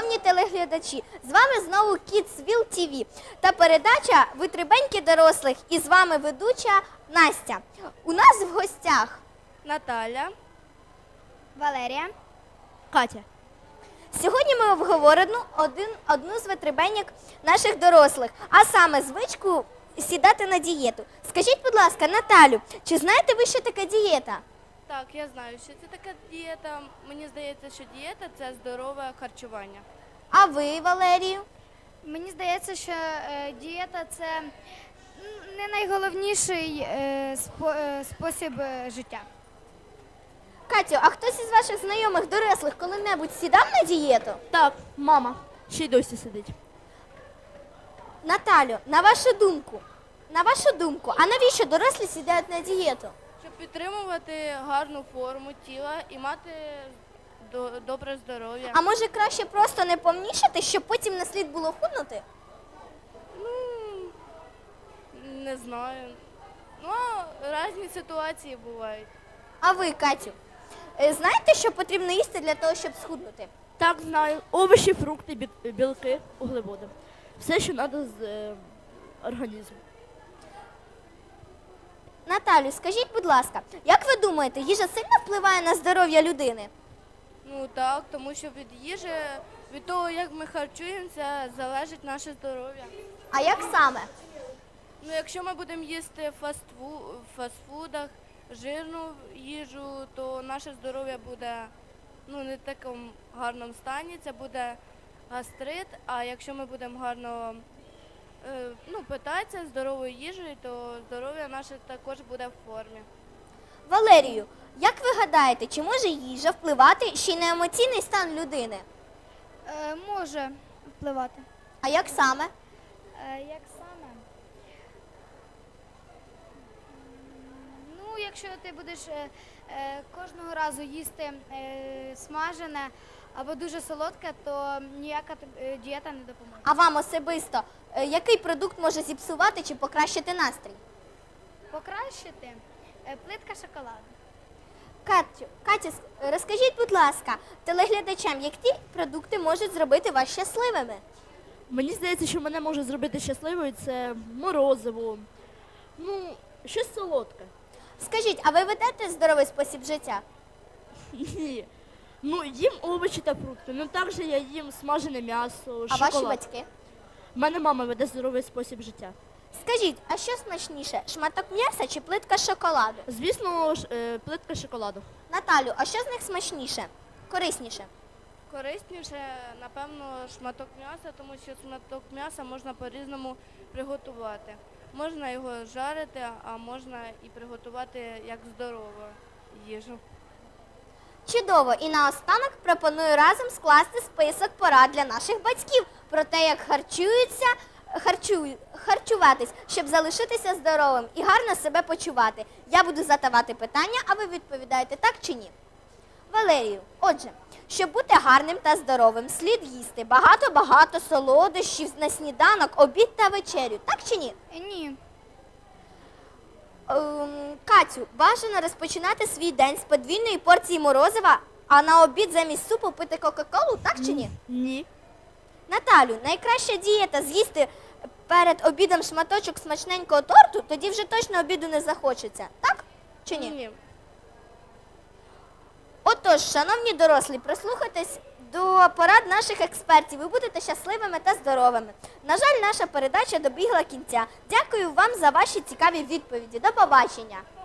шановні телеглядачі, з вами знову Kidsville TV та передача «Витребеньки дорослих» і з вами ведуча Настя. У нас в гостях Наталя, Валерія, Катя. Сьогодні ми обговоримо одну з витребеньок наших дорослих, а саме звичку сідати на дієту. Скажіть, будь ласка, Наталю, чи знаєте ви, що таке дієта? Так, я знаю, що це така дієта. Мені здається, що дієта – це здорове харчування. А ви, Валерію? Мені здається, що дієта – це не найголовніший спосіб життя. Катю, а хтось із ваших знайомих дорослих коли-небудь сідав на дієту? Так, мама ще й досі сидить. Наталю, на вашу думку, а навіщо дорослі сідають на дієту? Щоб підтримувати гарну форму тіла і мати добре здоров'я. А може краще просто не повнішати, щоб потім не слід було худнути? Не знаю. Ну, різні ситуації бувають. А ви, Катю, знаєте, що потрібно їсти для того, щоб схуднути? Так, знаю. Овочі, фрукти, білки, углеводи. Все, що треба з організму. Наталю, скажіть, будь ласка, як ви думаєте, їжа сильно впливає на здоров'я людини? Ну так, тому що від їжі, від того, як ми харчуємося, залежить наше здоров'я. А як саме? Ну, якщо ми будемо їсти в фастфудах, жирну їжу, то наше здоров'я буде не в такому гарному стані, це буде гастрит, а якщо ми будемо гарно питатися здоровою їжею, то здоров'я наше також буде в формі. Валерію, як ви гадаєте, чи може їжа впливати ще й на емоційний стан людини? Може впливати. А як саме? Як саме? Ну, якщо ти будеш кожного разу їсти смажене або дуже солодке, то ніяка дієта не допоможе. А вам особисто, який продукт може зіпсувати чи покращити настрій? Покращити плитка шоколаду. Катя, розкажіть, будь ласка, телеглядачам, які продукти можуть зробити вас щасливими? Мені здається, що мене може зробити щасливою це морозиво. Щось солодке. Скажіть, а ви ведете здоровий спосіб життя? Ні. Їм овочі та фрукти. Також я їм смажене м'ясо, А шоколад. ваші батьки? У мене мама веде здоровий спосіб життя. Скажіть, а що смачніше, шматок м'яса чи плитка шоколаду? Звісно, плитка шоколаду. Наталю, а що з них смачніше, корисніше? Корисніше, напевно, шматок м'яса, тому що шматок м'яса можна по-різному приготувати. Можна його жарити, а можна і приготувати як здорову їжу. Чудово! І наостанок пропоную разом скласти список порад для наших батьків про те, як харчуватись, щоб залишитися здоровим і гарно себе почувати. Я буду задавати питання, а ви відповідаєте так чи ні. Валерію, отже, щоб бути гарним та здоровим, слід їсти багато-багато солодощів на сніданок, обід та вечерю. Так чи ні? Ні. Катю, бажано розпочинати свій день з подвійної порції морозива, а на обід замість супу пити кока-колу, так чи ні? Ні. Наталю, найкраща дієта з'їсти перед обідом шматочок смачненького торту, тоді вже точно обіду не захочеться, так чи ні? Ні. Отож, шановні дорослі, прислухайтесь до порад наших експертів, ви будете щасливими та здоровими. На жаль, наша передача добігла кінця. Дякую вам за ваші цікаві відповіді. До побачення!